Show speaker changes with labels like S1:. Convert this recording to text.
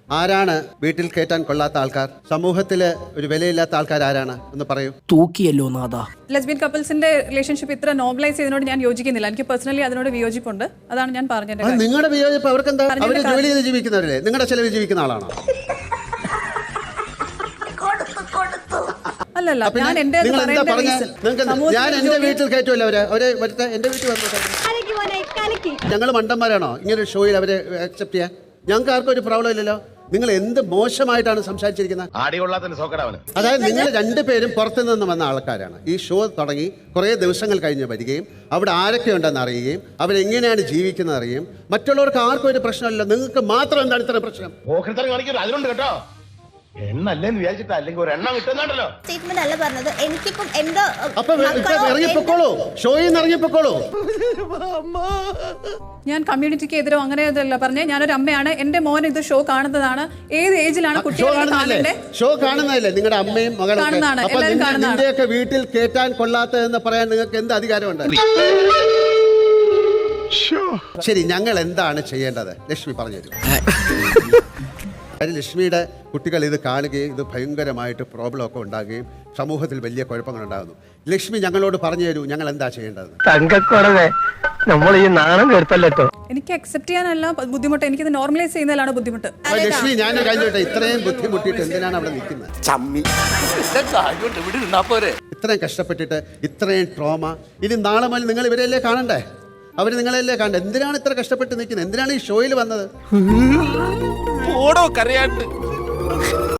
S1: ആരാണ് വീട്ടിൽ കയറ്റാൻ കൊള്ളാത്ത ആൾക്കാർ? സമൂഹത്തില് ഒരു വിലയില്ലാത്ത ആൾക്കാർ ആരാണ് എന്ന് പറയൂ.
S2: തൂക്കിയല്ലോ നാഥാ.
S3: ലെസ്ബിയൻ കപ്പിൾസിന്റെ റിലേഷൻഷിപ്പ് ഇത്ര നോർമലൈസ് ചെയ്തതിനോട് ഞാൻ യോജിക്കുന്നില്ല. എനിക്ക് പേഴ്സണലി അതിനോട് വിയോജിപ്പുണ്ട്. അതാണ് ഞാൻ പറഞ്ഞത്.
S1: നിങ്ങളുടെ വിയോജിപ്പ് അവർക്ക് എന്താ? അവര് ജോലി ചെയ്ത് ജീവിക്കുന്നവരല്ലേ? നിങ്ങളുടെ ചെലവിൽ ജീവിക്കുന്ന ആളാണോ?
S3: അല്ലല്ല, ഞാൻ എന്റെ
S1: ഞാൻ എന്റെ വീട്ടിൽ കയറ്റുമല്ലോ അവരെ എന്റെ വീട്ടിൽ വന്നു. ഞങ്ങൾ മണ്ടന്മാരാണോ ഇങ്ങനെ ഒരു ഷോയിൽ അവരെ അക്സെപ്റ്റ് ചെയ്യാൻ? ഞങ്ങൾക്ക് ആർക്കും ഒരു പ്രോബ്ലം ഇല്ലല്ലോ. നിങ്ങൾ എന്ത് മോശമായിട്ടാണ് സംസാരിച്ചിരിക്കുന്നത്. അതായത് നിങ്ങൾ രണ്ടുപേരും പുറത്തുനിന്ന് വന്ന ആൾക്കാരാണ്. ഈ ഷോ തുടങ്ങി കുറേ ദിവസങ്ങൾ കഴിഞ്ഞ് വരികയും അവിടെ ആരൊക്കെ ഉണ്ടെന്ന് അറിയുകയും അവരെങ്ങനെയാണ് ജീവിക്കുന്നത് അറിയുകയും മറ്റുള്ളവർക്ക് ആർക്കും ഒരു പ്രശ്നമില്ല. നിങ്ങൾക്ക് മാത്രം എന്താണ് ഇത്ര പ്രശ്നം?
S3: ഞാൻ കമ്മ്യൂണിറ്റിക്ക് എതിരോ അങ്ങനെയല്ല പറഞ്ഞേ. ഞാനൊരു അമ്മയാണ്. എന്റെ മോൻ ഇത് ഷോ കാണുന്നതാണ്. ഏത് ഏജിലാണ് കുട്ടികളെ
S1: ഷോ കാണുന്നതല്ലേ? നിങ്ങളുടെ അമ്മയും മകളും നിന്റെയൊക്കെ വീട്ടിൽ കേറ്റാൻ കൊള്ളാത്തതെന്ന് പറയാൻ നിങ്ങൾക്ക് എന്ത് അധികാരമുണ്ട്? ശരി, ഞങ്ങൾ എന്താണ് ചെയ്യേണ്ടത്? ലക്ഷ്മി പറഞ്ഞുതരും. ലക്ഷ്മിയുടെ കുട്ടികൾ ഇത് കാണുകയും ഇത് ഭയങ്കരമായിട്ട് പ്രോബ്ലം ഒക്കെ ഉണ്ടാകുകയും സമൂഹത്തിൽ വലിയ കുഴപ്പങ്ങൾ ഉണ്ടാകുന്നു. ലക്ഷ്മി ഞങ്ങളോട് പറഞ്ഞു തരൂ, ഞങ്ങൾ എന്താ ചെയ്യേണ്ടത്?
S2: നമ്മൾ ഈ നാണം കേട്ടല്ലോ.
S3: എനിക്ക് അക്സെപ്റ്റ് ചെയ്യാനല്ല ബുദ്ധിമുട്ട്, എനിക്കിത് നോർമലൈസ് ചെയ്യുന്നതിലാണ് ബുദ്ധിമുട്ട്.
S1: ലക്ഷ്മി, ഞാൻ കഴിഞ്ഞോട്ടെ, ഇത്രയും ബുദ്ധിമുട്ടിയിട്ട് എന്തിനാണ് അവിടെ നിൽക്കുന്നത്? ഇത്രയും കഷ്ടപ്പെട്ടിട്ട് ഇത്രയും ട്രോമ, ഇനി നാളെ മുതൽ നിങ്ങൾ ഇവരെയല്ലേ കാണണ്ടേ? അവർ നിങ്ങളെയല്ലേ കാണണ്ടേ? എന്തിനാണ് ഇത്ര കഷ്ടപ്പെട്ട് നിൽക്കുന്നത്? എന്തിനാണ് ഈ ഷോയിൽ വന്നത്?
S4: ഓടോ കരയാണ്ട്